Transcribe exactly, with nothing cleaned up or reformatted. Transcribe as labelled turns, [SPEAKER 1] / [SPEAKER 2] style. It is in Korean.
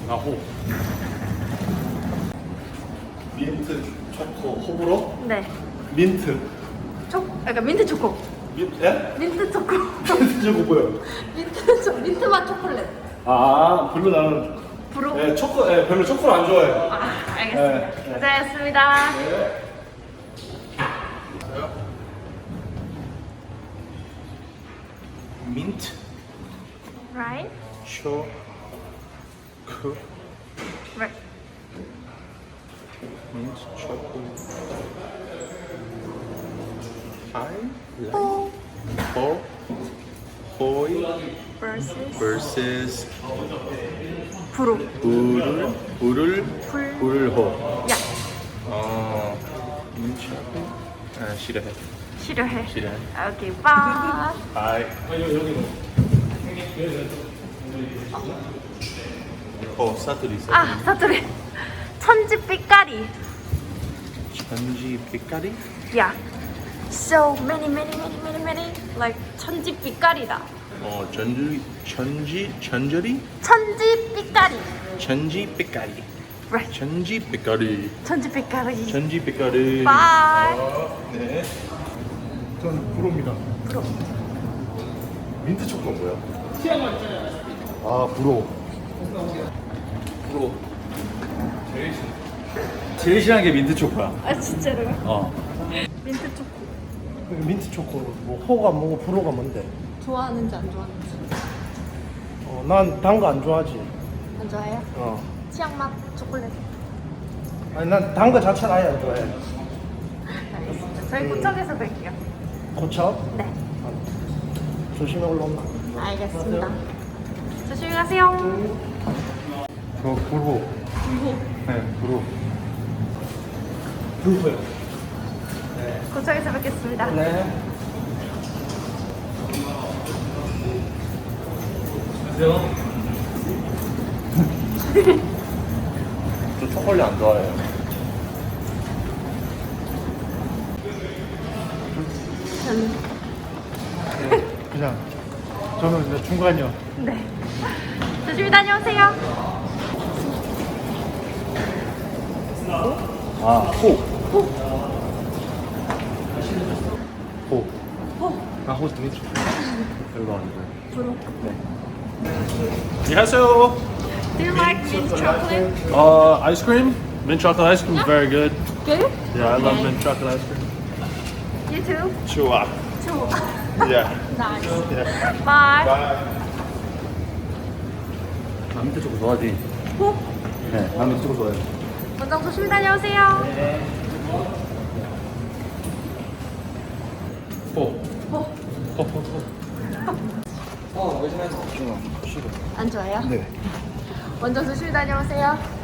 [SPEAKER 1] 나호. 민트 초코 호불호?
[SPEAKER 2] 네.
[SPEAKER 1] 민트.
[SPEAKER 2] 초, 그러니까 민트 초코.
[SPEAKER 1] 민, 예?
[SPEAKER 2] 민트 초코.
[SPEAKER 1] 민트 초코 뭐요?
[SPEAKER 2] 민트 초, 민트 맛 초콜릿.
[SPEAKER 1] 아, 별로 나는
[SPEAKER 2] 브로.
[SPEAKER 1] 예, 초코, 예, 별로 초코를 안 좋아해요.
[SPEAKER 2] 아, 알겠습니다.
[SPEAKER 1] 네, 네.
[SPEAKER 2] 고생했습니다.
[SPEAKER 1] 네. 민트
[SPEAKER 2] Right?
[SPEAKER 1] 초코
[SPEAKER 2] Right.
[SPEAKER 1] 민트 초코 하이
[SPEAKER 2] 호
[SPEAKER 1] 호 호이
[SPEAKER 2] versus
[SPEAKER 1] vs
[SPEAKER 2] 브로.
[SPEAKER 1] 불을 불을
[SPEAKER 2] 불.
[SPEAKER 1] 불호.
[SPEAKER 2] 야,
[SPEAKER 1] 어 민트 초코 아 싫어해
[SPEAKER 2] 싫어해.
[SPEAKER 1] 싫어해.
[SPEAKER 2] 오케이, 바이.
[SPEAKER 1] 하이 어 사투리 사투리
[SPEAKER 2] 아, 사투리. 천지 삐까리.
[SPEAKER 1] 전지 빛깔이
[SPEAKER 2] 야. So many, many, many, many, many. Like 천지 삐까리다.
[SPEAKER 1] 어 전지 전지 전절이
[SPEAKER 2] 천지 삐까리.
[SPEAKER 1] 전지 빛깔이
[SPEAKER 2] Right.
[SPEAKER 1] 전지 빛깔이
[SPEAKER 2] 천지 삐까리.
[SPEAKER 1] 전지 빛깔이
[SPEAKER 2] 바이.
[SPEAKER 1] 네. 전 불호입니다.
[SPEAKER 2] 브로.
[SPEAKER 1] 민트 초코 뭐야? 아 불호. 불호.
[SPEAKER 3] 제일 싫어하는 게 민트 초코야.
[SPEAKER 2] 아, 진짜로요?
[SPEAKER 3] 어.
[SPEAKER 2] 민트 초코.
[SPEAKER 4] 민트 초코 뭐 호가 뭐고 불호가 뭔데?
[SPEAKER 2] 좋아하는지 안 좋아하는지.
[SPEAKER 4] 어, 난 단 거 안 좋아하지.
[SPEAKER 2] 안 좋아해요?
[SPEAKER 4] 어.
[SPEAKER 2] 치약 맛 초콜릿.
[SPEAKER 4] 아니 난 단 거 자체를 아예 안 좋아해.
[SPEAKER 2] 알겠습니다. 저희 고척에서 뵐게요.
[SPEAKER 4] 고쳐?
[SPEAKER 2] 네.
[SPEAKER 4] 조심해 올라온다.
[SPEAKER 2] 알겠습니다. 조심히 가세요.
[SPEAKER 1] 저 불호.
[SPEAKER 2] 이거
[SPEAKER 1] 네 불호.
[SPEAKER 4] 불호요.
[SPEAKER 2] 고척에서 뵙겠습니다.
[SPEAKER 4] 네.
[SPEAKER 1] 저 초콜릿 안 좋아해요.
[SPEAKER 2] 전,
[SPEAKER 4] 그냥 저는 이제 중간이요.
[SPEAKER 2] 네. 조심히 다녀오세요.
[SPEAKER 1] 아 호.
[SPEAKER 2] 호,
[SPEAKER 1] 호.
[SPEAKER 2] 호,
[SPEAKER 1] 아호 민트 초코. 별로 안 좋아해.
[SPEAKER 2] 브로.
[SPEAKER 1] 안녕하세요.
[SPEAKER 2] Do you like mint chocolate?
[SPEAKER 3] Uh, ice cream? Mint chocolate ice cream is very good.
[SPEAKER 2] Good?
[SPEAKER 3] Yeah, I love
[SPEAKER 2] Okay.
[SPEAKER 3] mint chocolate ice cream.
[SPEAKER 2] You too?
[SPEAKER 1] 좋아.
[SPEAKER 2] Too.
[SPEAKER 1] Yeah.
[SPEAKER 2] Nice.
[SPEAKER 1] Yeah.
[SPEAKER 2] Bye.
[SPEAKER 3] 나 민트 초코 좋아하지?
[SPEAKER 2] 호,
[SPEAKER 3] 네, 나 민트 초코 좋아해.
[SPEAKER 2] 원장 조심히 다녀오세요.
[SPEAKER 1] 호.
[SPEAKER 2] 호,
[SPEAKER 1] 호. 호. 호.
[SPEAKER 2] 안 좋아해요?
[SPEAKER 1] 네.
[SPEAKER 2] 원장 조심히 다녀오세요.